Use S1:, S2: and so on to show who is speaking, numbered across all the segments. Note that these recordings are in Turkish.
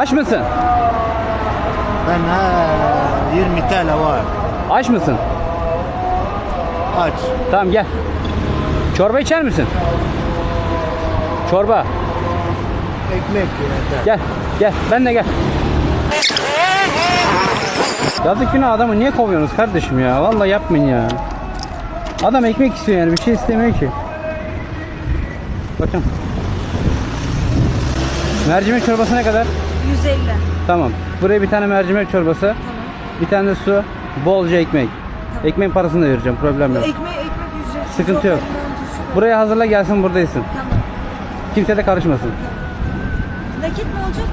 S1: Aç mısın?
S2: Ben 20 TL var.
S1: Aç mısın?
S2: Aç.
S1: Tamam gel. Çorba içer misin? Çorba.
S2: Ekmek yeter.
S1: Gel. Gel. Ben de gel. Yazık günah adamı niye kovuyorsunuz kardeşim ya? Vallahi yapmayın ya. Adam ekmek istiyor yani bir şey istemiyor ki. Bakın. Mercimek çorbası ne kadar?
S3: 150.
S1: Tamam. Buraya bir tane mercimek çorbası.
S3: Tamam.
S1: Bir tane de su. Bolca ekmek.
S3: Tamam.
S1: Ekmeğin parasını da vereceğim. Problem yok.
S3: Ekmek ücretsiz.
S1: Sıkıntı yok. Buraya hazırla gelsin buradaysın.
S3: Tamam.
S1: Kimse de karışmasın.
S3: Nakit mi olacak?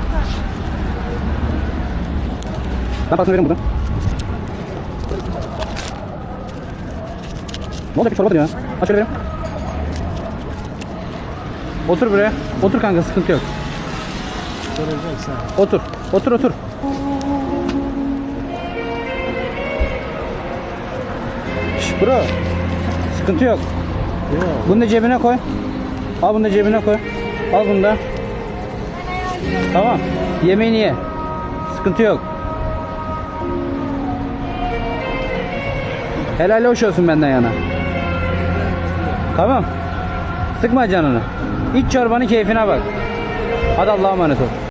S1: Ben parasını veririm buradan. Ne olacak bir çorba diyor ya. Aç şöyle vereyim. Otur buraya. Otur kanka sıkıntı yok.
S2: Soracaksan.
S1: Otur. Otur otur. Şş bro. Sıkıntı yok.
S2: Yok.
S1: Bunu da cebine koy. Al bunu da cebine koy. Al bunu da. Tamam. Yemeğini ye. Sıkıntı yok. Helal hoş olsun benden yana. Tamam. Sıkma canını. İç çorbanın keyfine bak. Hadi Allah'a emanet ol.